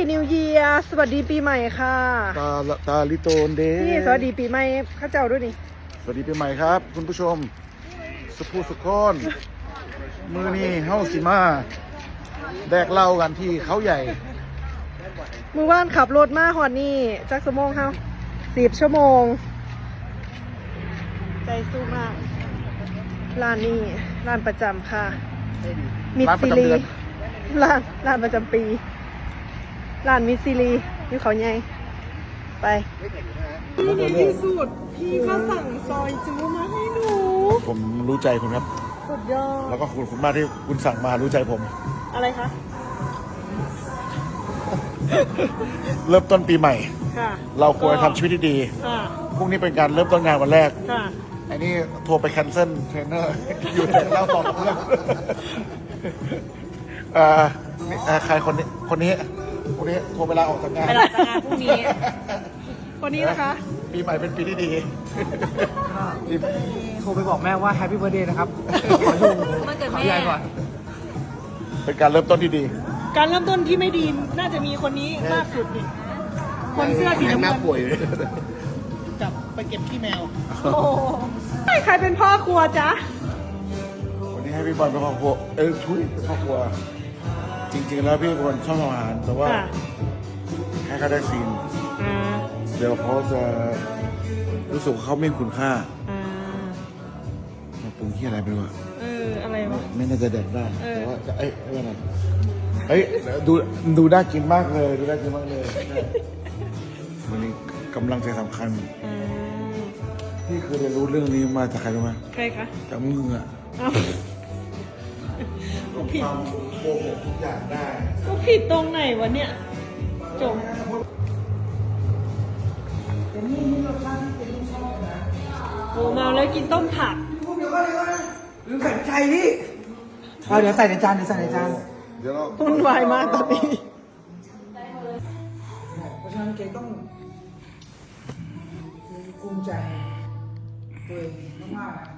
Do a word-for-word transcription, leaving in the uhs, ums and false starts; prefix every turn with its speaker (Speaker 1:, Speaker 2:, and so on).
Speaker 1: New Year สวัสดีปีใหม่ค่ะ
Speaker 2: ตาตาลิโตนเด
Speaker 1: นี่สวัสดีปีใหม่ข้าเจ้าด้วยนี่
Speaker 2: สวัสดีปีใหม่ครับ คุณผู้ชมสุภูสุกอนมือนี่เฮ้าสิมาแดกเหล้ากันที่เขาใหญ่
Speaker 1: มือว่านขับรถมาหอดนี่จักสมงเฮาสิบชั่วโมง ใจสู้มากร้านนี้ร้านประจำค่ะมิด
Speaker 2: ร้านประ
Speaker 1: ซิ
Speaker 2: จำ
Speaker 1: ลี
Speaker 2: เดือน
Speaker 1: ร้านร้านประจำปีร้านมิดซิลีอยู่เขาใหญ่ไปนี่ในที่สุดพี่ก็สั่งซอยจูมาให้หนู
Speaker 2: ผมรู้ใจคุณครับ
Speaker 1: สุดยอด
Speaker 2: แล้วก็ขอบคุณมากที่คุณสั่งมารู้ใจผม
Speaker 1: อะไรคะ
Speaker 2: เริ่มต้นปีใหม่
Speaker 1: ค่ะ
Speaker 2: เราควรทำชีวิตที่ดี
Speaker 1: ค่ะ
Speaker 2: พรุ่งนี้เป็นการเริ่มต้นงานวันแรก
Speaker 1: ค่ะ
Speaker 2: ไอ้นี่โทรไปแคนเซิลเทรนเนอร์ อยู่แต่เล่าต่อกับเพื่อนเอ่อนี่เอ่อใครคนนี้คนนี้คนนี้โทรเวลาออกจากงาน
Speaker 1: ไปลาจากงานพรุ่งนี้ คนนี้นะคะ
Speaker 2: ปีใหม่เป็นปีที่ดี
Speaker 3: โทรไปบอกแม่ว่าแฮปปี้เบิร์ดเดย์นะครับ ขออยู่
Speaker 1: วันเกิด
Speaker 3: ขอ
Speaker 1: แม่
Speaker 3: พี่ไอก่อน
Speaker 2: เป็นการเริ่มต้นที่ดี
Speaker 1: การเริ่มต้นที่ไม่ดีน่าจะมีคนนี้มากสุดนี่คนเสื้อสีน้ำเงิน
Speaker 2: ป่วย
Speaker 3: จับไปเก็บขี้แมว
Speaker 1: โอ้โหใครเป็นพ่อครัวจ๊ะ
Speaker 2: วันนี้ให้พี่บอลเป็นครอบครัวเอ้ยช่วยเป็นครอบครัว จริง ๆ แล้วพี่เป็นคนชอบทำอาหารแต่ว่า
Speaker 1: ค่ะ
Speaker 2: ให้เขาได้ซีน
Speaker 1: อ่า
Speaker 2: เดี๋ยวเขาจะรู้สึกว่าเขาไม่มีคุณค่า
Speaker 1: อ่า
Speaker 2: มาปรุงที่อะไรไปวะ
Speaker 1: เอออะไรวะ
Speaker 2: ไม่น่าจะแดกได้
Speaker 1: เออ
Speaker 2: แต่ว่าจะเอ้ยเอ้ยอะไรเอ้ยดูดูน่ากินมากเลยดูน่ากินมากเลยวันนี้กำลังใจสำคัญ
Speaker 1: อ่า
Speaker 2: พี่เคยเรียนรู้เรื่องนี้มาจากใครรู้ไหม
Speaker 1: ใครคะ
Speaker 2: จากมืออะ
Speaker 1: เอ้ากูผิด
Speaker 2: ทำโกหกทุกอย่างได้
Speaker 1: กูผิดตรงไหนวะเนี่ยจบโอ้เมาแล้วกินต้มผัก
Speaker 3: ลืมใส่ใจนี่เอาเดี๋ยวใส่ในจานเดี๋ยวใส่ในจาน
Speaker 2: เดี๋ยวเรา
Speaker 1: วุ่นวายมากตอนนี้
Speaker 3: เพราะฉะนั้นเกต้องภูมิใจตัวเองมากๆ